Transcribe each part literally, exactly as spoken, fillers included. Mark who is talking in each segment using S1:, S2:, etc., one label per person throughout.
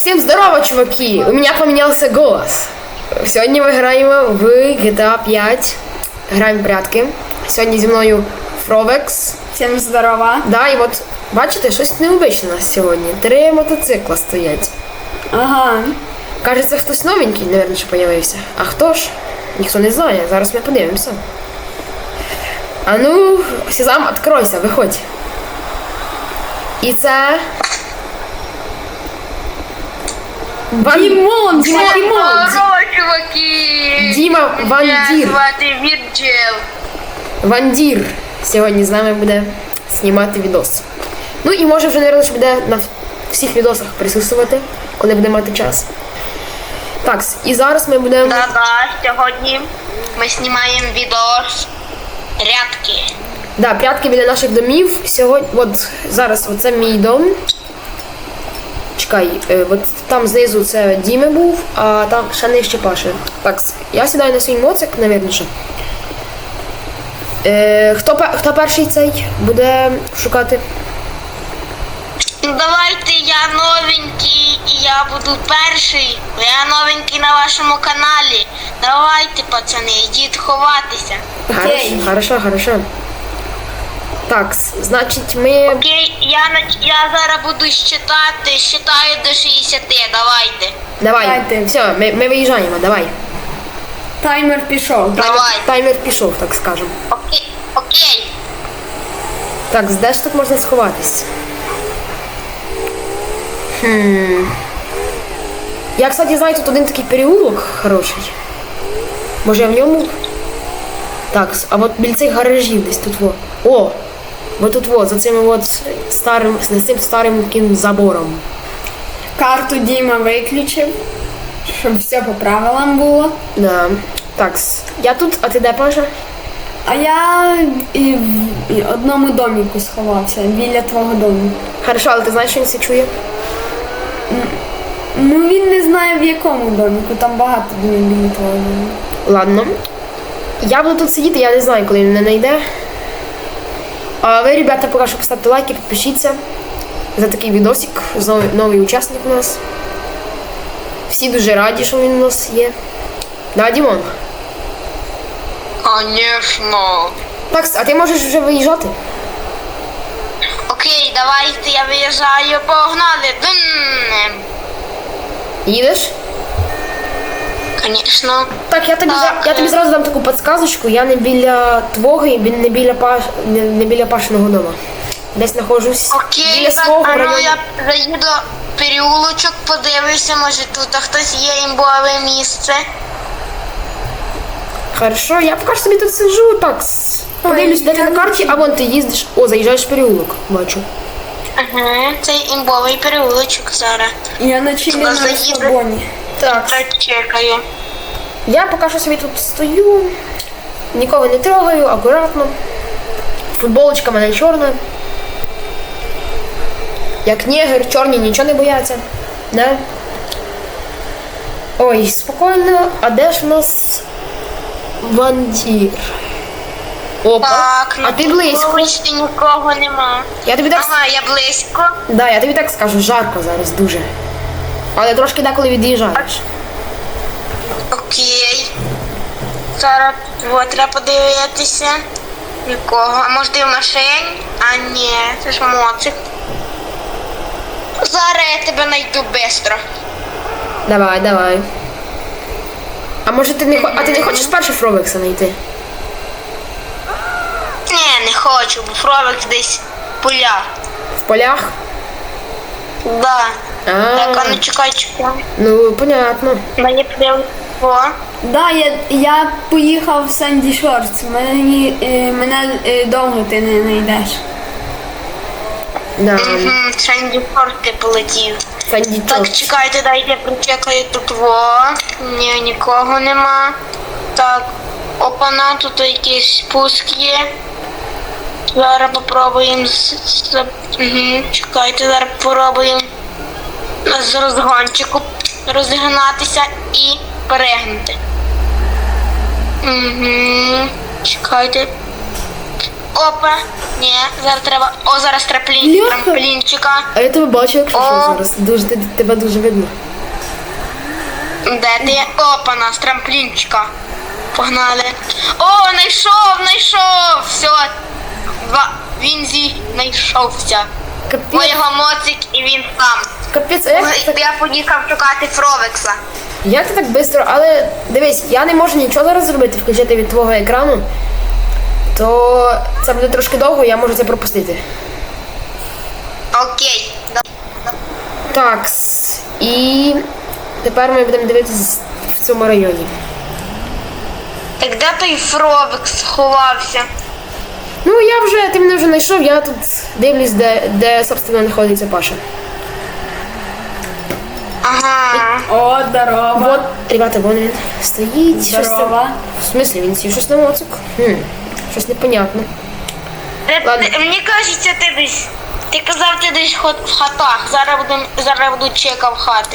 S1: Всем здорово, чуваки! У меня поменялся голос. Сегодня мы играем в джи ти ей п'ять. Граємо в прятки. Сьогодні зі мною Фровекс.
S2: Всім здорова.
S1: Да, і от, бачите, щось необичне у нас сьогодні. Три мотоцикла стоять.
S2: Ага.
S1: Кажеться, хтось новенький, мабуть, що появився. А хто ж? Ніхто не знає. Зараз ми подивимося. А ну, Сезам, відкройся, виходь. І це... Ван...
S2: Дімон, Діма, Дімон.
S3: Здорово, чуваки!
S1: Діма Вандір.
S3: Мене звати Вірджил.
S1: Вандір сьогодні з нами буде знімати відос. Ну і може вже, мабуть, буде на всіх відосах присутствувати, коли буде мати час. Так, і зараз ми будемо...
S3: Да-да, сьогодні ми знімаємо відос рядки.
S1: Да, прятки біля наших домів. Сьогодні, от зараз, оце мій дом. Чекай, е, от там знизу це Діми був, а там ще нижче Паши. Так, я сідаю на свій моцик, мабуть, що. Е, хто, пе- хто перший цей буде шукати?
S3: Ну, давайте я новенький і я буду перший. Бо я новенький на вашому каналі. Давайте, пацани, йдіть ховатися.
S1: Хорошо, хорошо, хорошо. Так, значить ми...
S3: Окей, я, нач- я зараз буду щитати, щитаю до шістдесят, давайте.
S1: Давай,
S2: Давайте.
S1: все, ми, ми виїжджаємо, давай.
S2: Таймер пішов.
S3: Давай.
S1: Таймер пішов, так скажемо.
S3: Окей, окей.
S1: Так, де ж тут можна сховатись? Хм. Я, кстати, знаю, тут один такий переулок хороший. Може я в ньому? Так, а от біля цих гаражів десь тут во. О! Вот тут вот, за цим от старим, за цим старим таким забором.
S2: Карту Діма виключив, щоб все по правилам було.
S1: Да. Так, я тут, а ти де, Паша?
S2: А я і в і одному доміку сховався, біля твого дому.
S1: Хорошо, але ти знаєш, що він це чує?
S2: Ну він не знає в якому доміку, там багато домів біля твого дому.
S1: Ладно. Я буду тут сидіти, я не знаю, коли він мене знайде. А ви, ребята, поки що поставте лайки, підпишіться за такий відосик. Новий, новий учасник у нас. Всі дуже раді, що він у нас є. Да, Дімон?
S3: Конечно.
S1: Так, а ти можеш вже виїжджати?
S3: Окей, давайте я виїжджаю, погнали. Дун.
S1: Їдеш?
S3: Конечно.
S1: Так, я тобі,
S3: Так.
S1: зра- я тобі зразу дам таку підсказочку. Я не біля твого і бі- не біля, Паш, не, не біля Пашиного дома. Десь знаходжусь
S3: Окей,
S1: біля
S3: так,
S1: свого
S3: а ну
S1: району.
S3: я заїду в переулочок, подивлюся, може тут хтось є імбове місце.
S1: Хорошо, я поки що собі тут сиджу, так, с- подивлюсь, де ти на карті, а вон ти їздиш. О, заїжджаєш в переулок, бачу.
S3: Ага, цей імбовий переулочок зараз.
S2: Я на чилі на
S3: Заїду.
S2: розслабоні.
S1: Так,
S3: Так, чекаю.
S1: я поки що собі тут стою, нікого не трогаю, акуратно. Футболочка в мене чорна. Як негр, чорні нічого не бояться. Да? Ой, спокійно, а де ж у нас Вандір? Опа,
S3: Так,
S1: а ти близько.
S3: Вулиці нікого нема.
S1: Я тобі так,
S3: Ага, я близько.
S1: да, я тобі так скажу, жарко зараз дуже. Але трошки деколи від'їжджаєш.
S3: Окей. Зараз от, треба подивитися. Нікого. А може ти в машині? А ні, це ж моцик. Зараз я тебе знайду швидко.
S1: Давай, давай. А може ти не хо- а ти не хочеш перше Фровекса знайти?
S3: Ні, не хочу, бо Фровекс десь в полях.
S1: В полях?
S3: Да.
S1: А,
S3: Так, а ну чекай, чекай.
S1: ну понятно.
S3: Мені прям. О.
S2: Да, я, я поїхав в Санді Шортс. Мені, е, мене е, довго ти не знайдеш.
S1: Да.
S3: Угу, Шенді Форти полетів.
S1: Санді
S3: Так,
S1: Чорч.
S3: чекайте, дайте прочекаю тут во. Ні, нікого нема. Так, опана, тут якийсь спуск є. Зараз попробуємо з... з... Угу, чекайте, зараз попробуємо з розгончику розігнатися і перегнути. Угу, чекайте. Опа. Ні, зараз треба. О, зараз трамплін,
S1: Бляха.
S3: трамплінчика.
S1: А я тебе бачу, якщо
S3: О.
S1: що зараз. Дуже, ти- тебе дуже видно.
S3: Де ти? Опа, нас трамплінчика. Погнали. О, знайшов, знайшов. Все. Два. Він зі знайшовся.
S1: Капець,
S3: Моєго моцик і він там.
S1: капець, а як ти так,
S3: Я поїхав шукати Фровекса.
S1: як ти так швидко? Але дивись, я не можу нічого зараз зробити, включити від твого екрану. То це буде трошки довго, я можу це пропустити.
S3: Окей. Да-
S1: Так, і тепер ми будемо дивитися в цьому районі.
S3: Так де той Фровекс сховався?
S1: Ну, я вже, ти мене вже знайшов, я тут дивлюсь, де, де собственно, знаходиться Паша.
S3: Ага.
S2: О, здорово.
S1: Вот, ребята, вон він стоїть. Щось
S2: Здорово.
S1: там. В смислі, він сів щось на моцик? Хм, щось непонятно.
S3: Ти-
S1: Ладно.
S3: ти- Мені кажеться, ти десь. Ти казав, ти десь хот- в хатах. Зараз буду, зараз буду чекав хати.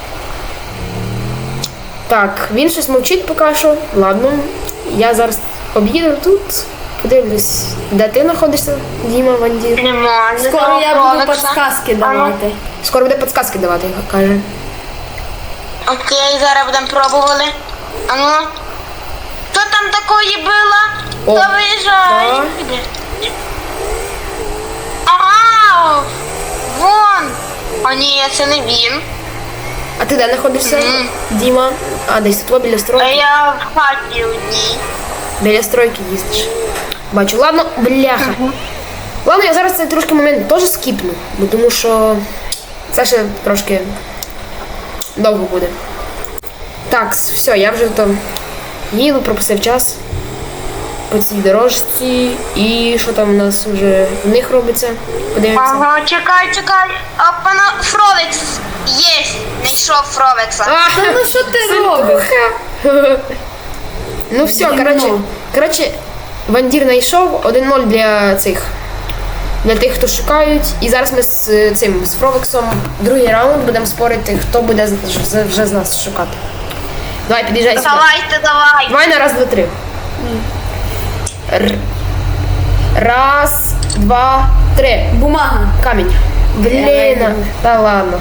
S1: Так, він щось мовчить поки що. Ладно, я зараз об'їду тут, подивлюсь, де ти знаходишся, Діма, Вандір.
S3: Нема. не
S2: Скоро
S3: знаю
S2: я буду
S3: Фровекса.
S2: підсказки
S3: А ну,
S2: давати.
S1: Скоро буде підсказки давати, каже.
S3: Окей, зараз будемо пробували. А ну. Хто там такої було?
S1: О,
S3: Хто виїжджає?
S1: да.
S3: Ага! Вон! А ні, це не він.
S1: А ти де знаходишся,
S3: Мгм.
S1: Діма? А, десь тут біля
S3: А
S1: стройки.
S3: я в хаті одній.
S1: Біля стройки їздиш. Бачу, ладно, бляха. Ладно, я зараз цей трошки момент теж скіпну, бо тому що це ще трошки довго буде. Так, все, я вже там їду, пропустив час по цій дорожці. І що там у нас вже в них робиться? Подивимося.
S3: Ага, чекай, чекай. Опана, Фровекс. Є, знайшов Фровекса.
S1: А,
S2: Та ну що ти робиш?
S1: Ну все,
S2: Гімно.
S1: коротше, коротше, Вандір знайшов один ноль для цих. Для тих, хто шукають. І зараз ми з е, цим з Фровексом другий раунд будемо спорити, хто буде з- з- вже з нас шукати. Давай, під'їжджай сюди.
S3: Давайте, давай.
S1: Давай на раз, два, три. Р- Раз, два, три.
S2: Бумага.
S1: Камінь. Блін,
S2: Реально.
S1: та ладно.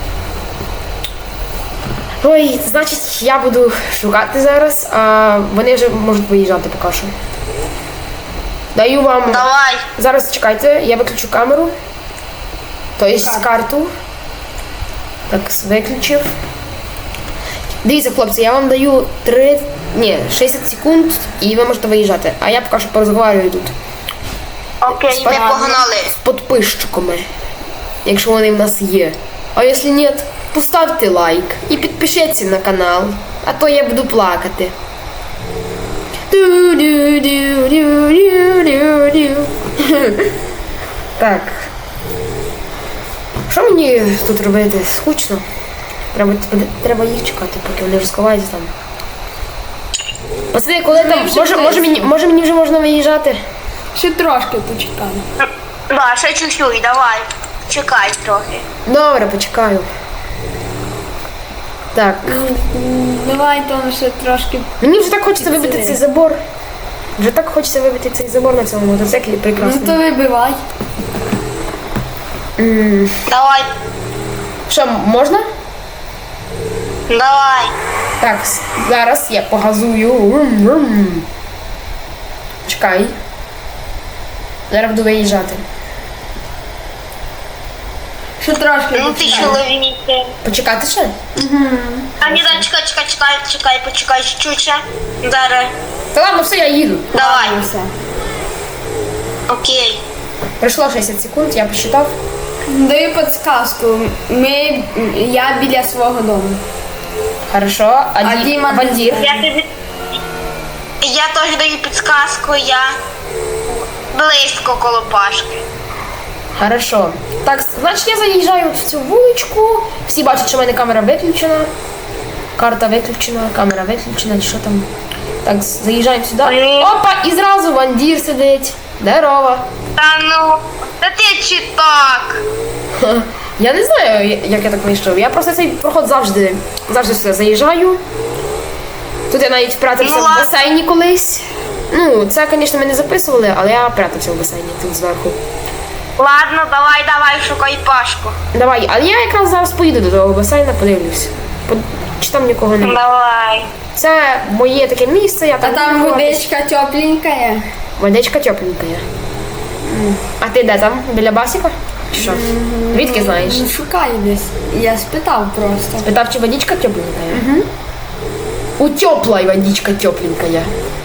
S1: Ой, значить, я буду шукати зараз, а вони вже можуть виїжджати поки що. Даю вам.
S3: Давай.
S1: Зараз чекайте, я виключу камеру. Тобто карту. Так, виключив. Дивіться, хлопці, я вам даю три. Ні, шістдесят секунд і ви можете виїжджати. А я поки що порозговорюю тут.
S3: Окей, ми погнали.
S1: З підписчиками, якщо вони в нас є. А якщо ні, поставте лайк і підпишіться на канал, а то я буду плакати. Ду-ду-ду-ду-ду-ду-ду. Так. Що мені тут робити? Скучно. Треба, треба їх чекати, поки вони вже сховаються там. Пацани, коли там,
S2: вже
S1: може, може, мені, може мені вже можна виїжджати?
S2: Ще трошки почекаємо.
S3: Да, ще чуть-чуть, давай. Чекай трохи.
S1: Добре, почекаю. Так.
S2: Давай там ще трошки.
S1: Мені вже так хочеться вибити цей забор. Вже так хочеться вибити цей забор на цьому мотоциклі
S2: Ну
S1: прекрасно.
S2: то вибивай.
S1: М,
S3: Давай,
S1: Що, можна?
S3: давай.
S1: Так, с- зараз я погазую. Врум-врум. Чекай. Зараз буду виїжджати.
S2: Ще трошки
S3: Ну ти
S2: почекаємо.
S3: чоловіки.
S1: Почекати ще?
S3: А ні, да, чекай, чекай, чекай, чекай, почекай чуть-чуть ще. Зараз.
S1: Та ладно, все, я їду.
S3: Давай.
S2: Ну, все.
S3: Окей.
S1: Пройшло шістдесят секунд, я посчитав.
S2: Даю підсказку. Ми, я біля свого дому.
S1: Хорошо. А,
S2: А
S1: Ді-
S2: Діма не
S1: Вандір?
S3: Я тобі. Я теж даю підсказку, я близько коло Пашки.
S1: Хорошо. Так, значить я заїжджаю в цю вуличку. Всі бачать, що в мене камера виключена. Карта виключена, камера виключена, чи що там. Так, заїжджаємо сюди.
S3: Ой.
S1: Опа, і зразу Вандір сидить. Здорово.
S3: Та ну, та ти чи так?
S1: Ха, Я не знаю, як я так вийшов. Я просто цей проход завжди, завжди сюди заїжджаю. Тут я навіть прятався
S3: Ну,
S1: в
S3: ладно.
S1: басейні колись. Ну, це, звісно, ми не записували, але я прятався в басейні тут зверху.
S3: Ладно, давай, давай, шукай Пашку.
S1: Давай, але я якраз зараз поїду до того басейна, подивлюсь. По- Чи там нікого немає.
S3: Давай.
S1: Це моє таке місце, я
S2: А
S1: там.
S2: там
S1: буду ховатись.
S2: водичка тепленька є.
S1: Водичка тепленька є. А ти де там? Біля басіка? Чи Що? Звідки знаєш?
S2: Ну, шукай десь. Я спитав просто.
S1: Питав, чи водичка тепленька є? Угу. У теплой водичка тепленька є.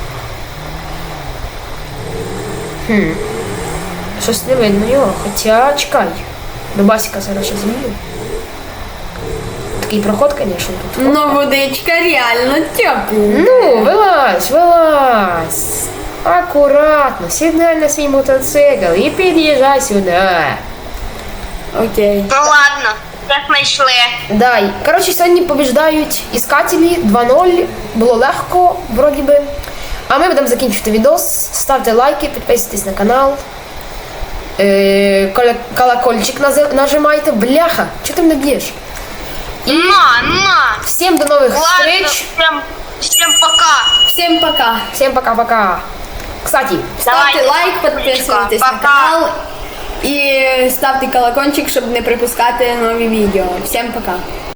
S1: Хм. Щось не видно його, хоча чекай. До басіка зараз ще змію. Такий проход, звісно, тут.
S2: Ну, водичка реально тепленька.
S1: Ну, вилазь, вилазь. Акуратно, сідай на свій мотоцикл і під'їжджай сюди.
S2: Окей.
S3: Ну ладно, як знайшли.
S1: Дай. Коротше, сьогодні побіждають іскателі два нуль. Було легко, вроді би. А ми будемо закінчувати відос. Ставте лайки, підписуйтесь на канал. Е, коля- колокольчик нази- нажимайте. Бляха, чого ти мене б'єш?
S3: На, на.
S1: Всім до нових
S3: Ладно,
S1: встреч.
S3: всем, всем пока.
S2: Всім пока.
S1: Всім пока-пока. Кстати,
S2: Ставте
S3: Давайте,
S2: лайк, підписуйтесь на
S3: пока.
S2: канал і ставте колокольчик, щоб не пропускати нові відео. Всім пока.